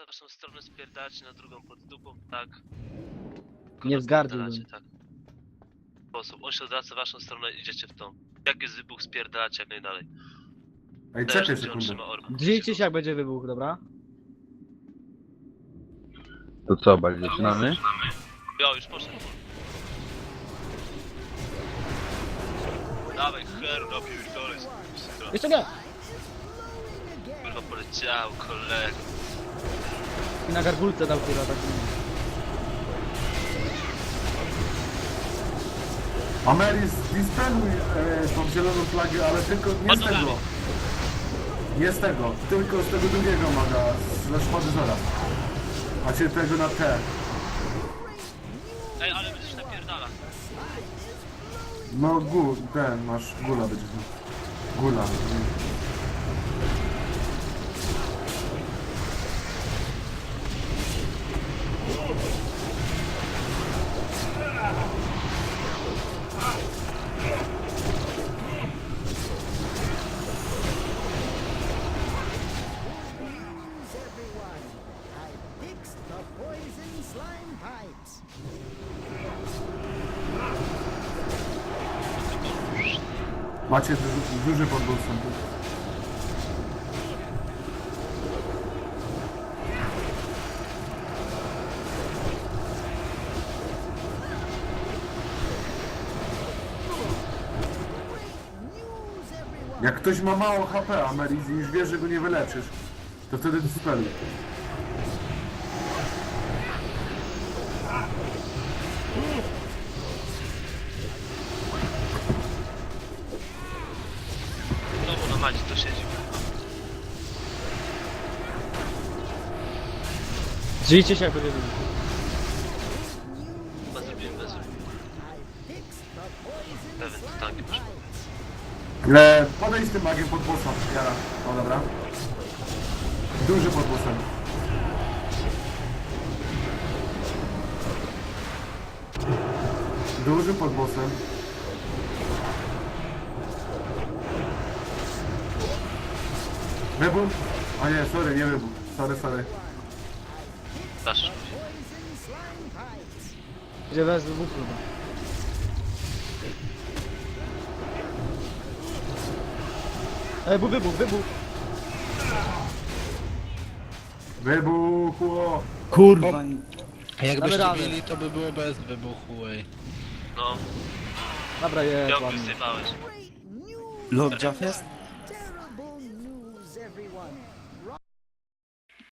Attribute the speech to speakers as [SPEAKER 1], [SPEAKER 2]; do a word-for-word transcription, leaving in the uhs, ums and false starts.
[SPEAKER 1] na waszą stronę, spierdalacie na drugą pod dupą, tak?
[SPEAKER 2] Nie wzgardził.
[SPEAKER 1] Spierdalacie, tak. W sposób. On się odwraca w waszą stronę, idziecie w tą. Jak jest wybuch, spierdalacie jak najdalej.
[SPEAKER 3] Ej,
[SPEAKER 1] Też,
[SPEAKER 3] czekaj
[SPEAKER 1] gdzie on
[SPEAKER 3] sekundę.
[SPEAKER 1] trzyma orba.
[SPEAKER 2] Drzyjcie się jak będzie wybuch, dobra?
[SPEAKER 4] To co, bardziej zaczynamy?
[SPEAKER 1] Jo, już poszedł. Dawaj, heru, napierdolę.
[SPEAKER 2] Jeszcze nie!
[SPEAKER 1] Kurwa poleciał, kolego.
[SPEAKER 2] I na gargulce dał tyle tak.
[SPEAKER 3] Ameris, dispeluj e, tą zieloną flagę, ale tylko nie z
[SPEAKER 1] Pod
[SPEAKER 3] tego.
[SPEAKER 1] nogami.
[SPEAKER 3] Nie z tego, tylko z tego drugiego maga, ze szpady zora. A cię tego na T.
[SPEAKER 1] Ej, ale będziesz napierdala.
[SPEAKER 3] No gu, ten, masz gula będzie. Gula.
[SPEAKER 5] Everyone, I fixed the poison slime pipes.
[SPEAKER 3] Macie duży, duży podbój wstępu.
[SPEAKER 5] News, everyone.
[SPEAKER 3] Jak ktoś ma mało H P, Ameris, i już wiesz, że go nie wyleczysz, to wtedy dispeluj.
[SPEAKER 1] Znowu na macie to siedzi.
[SPEAKER 2] Drzyjcie się jak będzie wybuch.
[SPEAKER 1] Chyba zrobiłem bez ruchu.
[SPEAKER 5] I fixed the poison
[SPEAKER 1] Pewien, to
[SPEAKER 5] slime
[SPEAKER 1] tanki poszły.
[SPEAKER 5] pipes.
[SPEAKER 3] E, podejdź z tym magiem pod bossa, Jara. O, dobra. Duży pod bossem. Duży pod bossem. Wybuch? A nie, sorry, nie wybuch. Sorry, sorry.
[SPEAKER 1] Dasz.
[SPEAKER 5] Poison slime pipes.
[SPEAKER 2] Gdzie bez wybuchu. Ej, bu- wybuch, wybuch!
[SPEAKER 3] Wybuchło!
[SPEAKER 2] Kurwa!
[SPEAKER 6] A jakbyście
[SPEAKER 2] Damy radę.
[SPEAKER 6] mieli, to by było bez wybuchu, ej.
[SPEAKER 1] No,
[SPEAKER 2] Dobra, jest
[SPEAKER 1] piątku
[SPEAKER 2] ładnie.
[SPEAKER 1] zjebałeś.
[SPEAKER 5] Great news.
[SPEAKER 7] Lord Jaff jest?